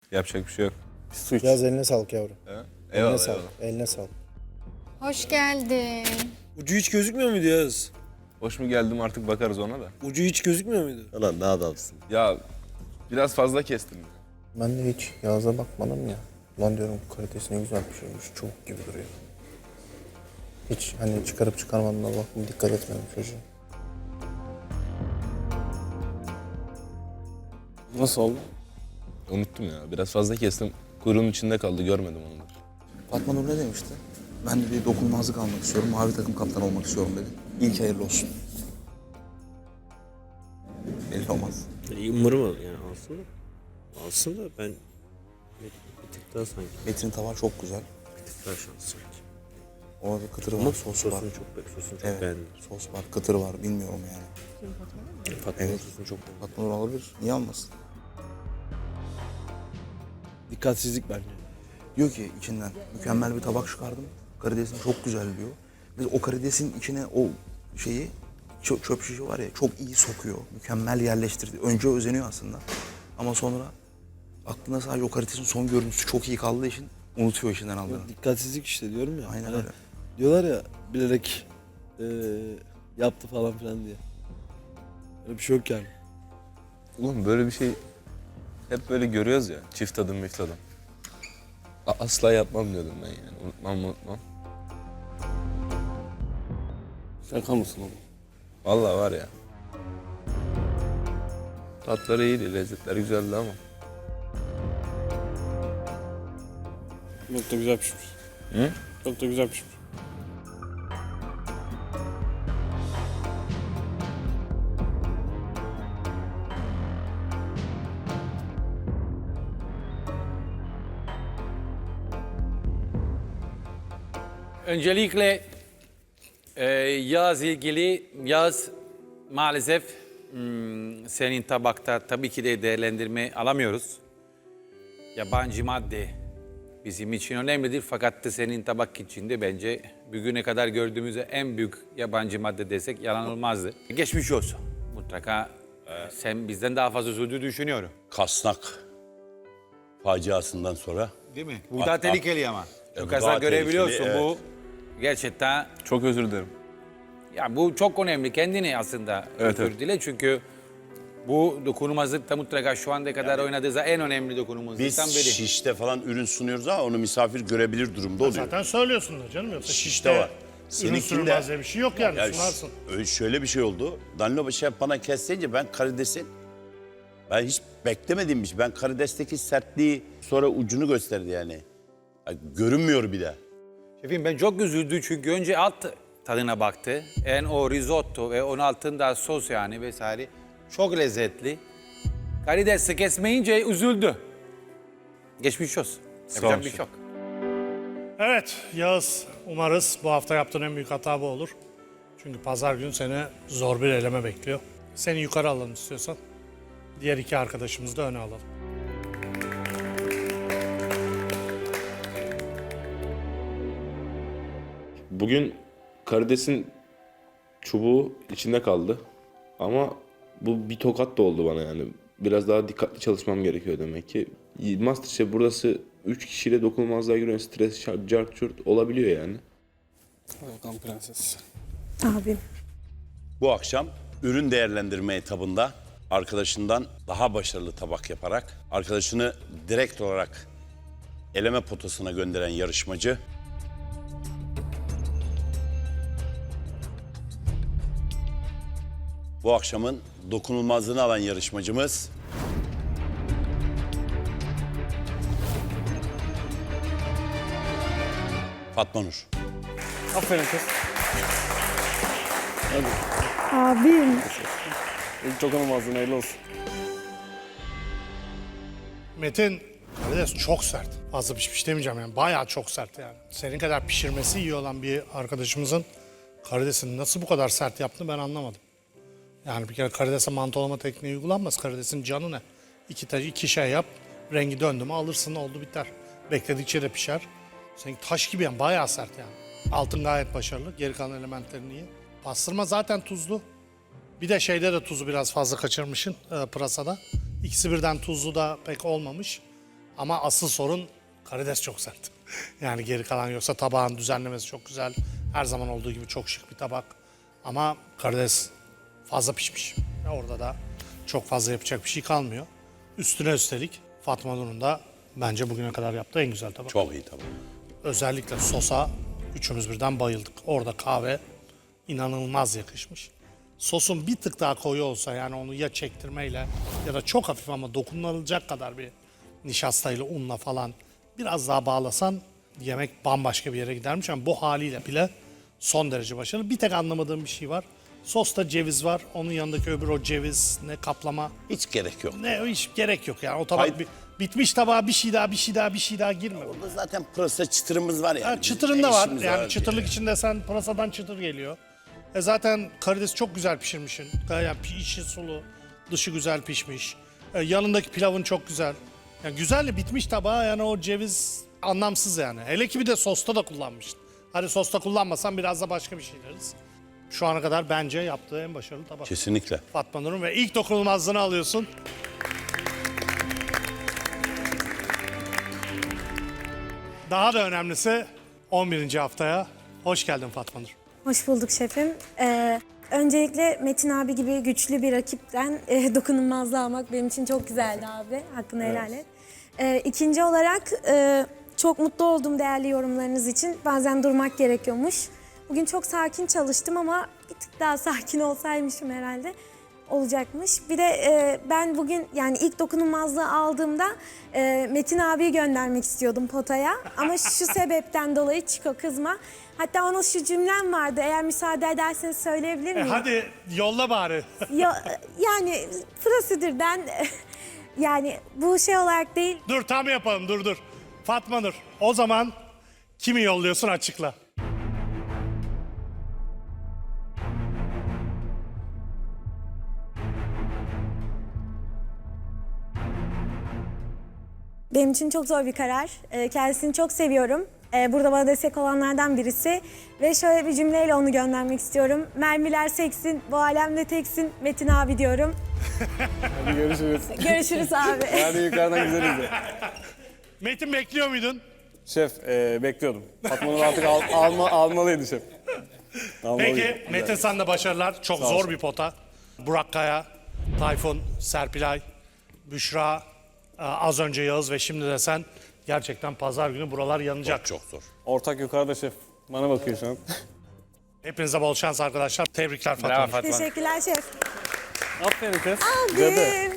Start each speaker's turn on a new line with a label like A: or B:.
A: Yapacak bir şey yok.
B: Su iç.
C: Yaz eline sağlık yavrum.
A: Eyvallah,
C: Eline sağlık.
A: eyvallah.
C: Eline sağlık.
D: Hoş geldin.
B: Ucu hiç gözükmüyor muydu Yaz?
A: Hoş mu geldim artık bakarız ona da.
B: Ucu hiç gözükmüyor muydu?
E: Ulan ne adamsın.
A: Ya biraz fazla kestim.
C: Ben de hiç Yağız'a bakmadım ya. Lan diyorum kalitesi ne güzel pişirmiş. Çubuk gibi duruyor. Hiç hani çıkarıp çıkarmadığına bakma dikkat etmedim çocuğa.
B: Nasıl oldu?
A: Unuttum ya. Biraz fazla kestim. Kuyruğun içinde kaldı. Görmedim onu da.
F: Fatma Nur ne demişti? Ben de bir dokunulmazlık almak istiyorum, mavi takım kaptanı olmak istiyorum dedi. İlk hayırlı olsun. Belli olmaz.
E: Umarım yani alsın da. Alsın da ben bir tık daha sanki.
F: Metin tava çok güzel.
E: Bir tık daha şanslı sanki.
F: Orada kıtır var,
E: Ama
F: sosu var.
E: sosunu çok
F: Evet,
E: beğendim.
F: sos var, kıtır var, bilmiyorum yani.
E: Fatma'nın
F: Evet.
E: sosunu çok beğendim.
F: Fatma Nur alabilir, niye almasın?
B: Dikkatsizlik bence.
F: Diyor ki içinden mükemmel bir tabak çıkardım. Karidesin çok güzel diyor. Ve o karidesin içine o şeyi çöp şişi var ya çok iyi sokuyor. Mükemmel yerleştirdi. Önce özeniyor aslında. Ama sonra aklına sadece o karidesin son görüntüsü çok iyi kaldığı için unutuyor işinden aldığını.
B: Dikkatsizlik işte diyorum ya.
F: Aynen
B: Hani
F: öyle.
B: diyorlar ya bilerek yaptı falan filan diye. Öyle bir şey yok yani.
A: Oğlum böyle bir şey hep böyle görüyoruz ya. Çift adım mift adım. Asla yapmam diyordum ben yani. Unutmam.
B: Şaka mısın oğlum?
A: Vallahi var ya. Tatları iyiydi, lezzetler güzeldi ama.
G: Çok da güzel pişmiş.
A: Hı?
G: Çok da güzel pişmiş.
H: Öncelikle Yağız ilgili, Yağız maalesef senin tabakta tabii ki de değerlendirme alamıyoruz. Yabancı madde bizim için önemlidir fakat da senin tabak içinde bence bugüne kadar gördüğümüz en büyük yabancı madde desek yalan olmazdı. Geçmiş olsun. Mutlaka sen bizden daha fazla üzüldüğünü düşünüyorum.
I: Kasnak faciasından sonra.
H: Değil mi? Bu daha tehlikeli ama.
I: bu
H: Çok
I: daha
H: azar görebiliyorsun
I: tehlikeli,
H: bu. Gerçekten
A: Çok özür dilerim.
H: ya bu çok önemli. Kendini aslında
A: Evet,
H: özür
A: evet.
H: dile çünkü bu dokunulmazlıkta mutlaka şu anda kadar oynadığı en önemli
I: Biz
H: dokunulmazlıktan biri.
I: şişte falan ürün sunuyoruz ama onu misafir görebilir durumda oluyor.
J: Zaten söylüyorsundur canım yoksa
I: Şişte var.
J: ürün
I: Seninkinde
J: sürmez diye bir şey yok yani
I: ya
J: sunarsın.
I: öyle şöyle bir şey oldu. Danilo şef bana kesleyince ben karidesin hiç beklemediğim bir şey. Ben karidesteki sertliği sonra ucunu gösterdi yani. Görünmüyor bir de.
H: Şefim ben çok üzüldüm çünkü önce alt tadına baktı. O risotto ve onun altında sos yani vesaire çok lezzetli. Karidesi kesmeyince üzüldü. Geçmiş olsun. Yapacak
A: ol
H: bir
A: şef.
H: şey yok.
J: Evet Yağız umarız bu hafta yaptığın en büyük hata bu olur. Çünkü pazar günü seni zor bir eleme bekliyor. Seni yukarı alalım istiyorsan. Diğer iki arkadaşımızı da öne alalım.
K: Bugün karidesin çubuğu içinde kaldı. Ama bu bir tokat da oldu bana yani. Biraz daha dikkatli çalışmam gerekiyor demek ki. Masterchef burası 3 kişiyle dokunulmazlığa giriyor. Stres, cart, çurt olabiliyor yani.
G: Volkan Prenses.
D: Abi.
I: Bu akşam ürün değerlendirme etabında arkadaşından daha başarılı tabak yaparak arkadaşını direkt olarak eleme potasına gönderen yarışmacı bu akşamın dokunulmazlığını alan yarışmacımız Fatma Nur.
G: Aferin kız.
D: Abim.
G: İlk dokunulmazlığın hayırlı olsun.
J: Metin karides çok sert. Fazla pişmiş demeyeceğim yani bayağı çok sert yani. Senin kadar pişirmesi iyi olan bir arkadaşımızın karidesini nasıl bu kadar sert yaptığını ben anlamadım. Yani bir kere karidese mantolama tekniği uygulanmaz. Karidesin canı ne? İki şey yap, rengi döndü mü alırsın oldu biter. Bekledikçe de pişer. Seninki taş gibi yani bayağı sert yani. Altın gayet başarılı, geri kalan elementlerin iyi. Pastırma zaten tuzlu. Bir de şeyde de tuzu biraz fazla kaçırmışsın pırasada. İkisi birden tuzlu da pek olmamış. Ama asıl sorun karides çok sert. Yani geri kalan yoksa tabağın düzenlemesi çok güzel. Her zaman olduğu gibi çok şık bir tabak. Ama karides fazla pişmiş. Orada da çok fazla yapacak bir şey kalmıyor. Üstüne üstelik Fatma Nur'un da bence bugüne kadar yaptığı en güzel tabak.
I: Çok iyi tabak.
J: Özellikle sosa üçümüz birden bayıldık. Orada kahve inanılmaz yakışmış. Sosun bir tık daha koyu olsa yani onu ya çektirmeyle ya da çok hafif ama dokunulacak kadar bir nişastayla unla falan biraz daha bağlasan yemek bambaşka bir yere gidermiş ama bu haliyle bile son derece başarılı. Bir tek anlamadığım bir şey var. Sosta ceviz var. Onun yanındaki öbür o ceviz ne kaplama
I: Hiç gerek yok.
J: ne hiç gerek yok yani. O tabak
I: Hayır.
J: bitmiş tabağa bir şey daha girme.
I: Burada zaten pırasa çıtırımız var yani.
J: Ha, çıtırın da var. Yani çıtırlık içinde sen pırasadan çıtır geliyor. Zaten karidesi çok güzel pişirmişsin. Yani içi sulu, dışı güzel pişmiş. Yanındaki pilavın çok güzel. Yani güzel bitmiş tabağa yani o ceviz anlamsız yani. Hele ki bir de sosta da kullanmışsın. Hadi sosta kullanmasan biraz da başka bir şey deriz. Şu ana kadar bence yaptığı en başarılı tabak.
I: Kesinlikle.
J: Fatma Nur'un ve ilk dokunulmazlığını alıyorsun. Daha da önemlisi 11. haftaya hoş geldin Fatma Nur.
D: Hoş bulduk şefim. Öncelikle Metin abi gibi güçlü bir rakipten dokunulmazlığı almak benim için çok güzeldi abi. Hakkını helal et. İkinci olarak çok mutlu oldum değerli yorumlarınız için. Bazen durmak gerekiyormuş. Bugün çok sakin çalıştım ama bir tık daha sakin olsaymışım herhalde olacakmış. Bir de ben bugün yani ilk dokunulmazlığı aldığımda Metin abiyi göndermek istiyordum potaya. Ama şu sebepten dolayı Çiko kızma. Hatta ona şu cümlem vardı. Eğer müsaade ederseniz söyleyebilir miyim?
J: Hadi yolla bari.
D: Yani prosedürden yani bu şey olarak değil.
J: Dur tam yapalım dur. Fatma Nur o zaman kimi yolluyorsun açıkla.
D: Benim için çok zor bir karar. Kendisini çok seviyorum. Burada bana destek olanlardan birisi. Ve şöyle bir cümleyle onu göndermek istiyorum. Mermiler seksin, bu alemde teksin Metin abi diyorum.
G: Hadi görüşürüz.
D: Görüşürüz abi.
G: Hadi yukarıdan güzel izle.
J: Metin bekliyor muydun?
G: Şef bekliyordum. Fatma'nın artık almalıydı şef. Almalıydı.
J: Peki Metin sana da başarılar. Çok zor bir pota. Burak Kaya, Tayfun, Serpilay, Büşra, az önce Yağız ve şimdi de sen. Gerçekten pazar günü buralar yanacak.
I: Çok zor.
G: Ortak yukarıda şef. Bana bakıyor şu an.
J: Hepinize bol şans arkadaşlar. Tebrikler Fatma
H: Bravo
J: Nur.
H: Fatma.
D: Teşekkürler şef.
G: Aferin kız.
D: Abim.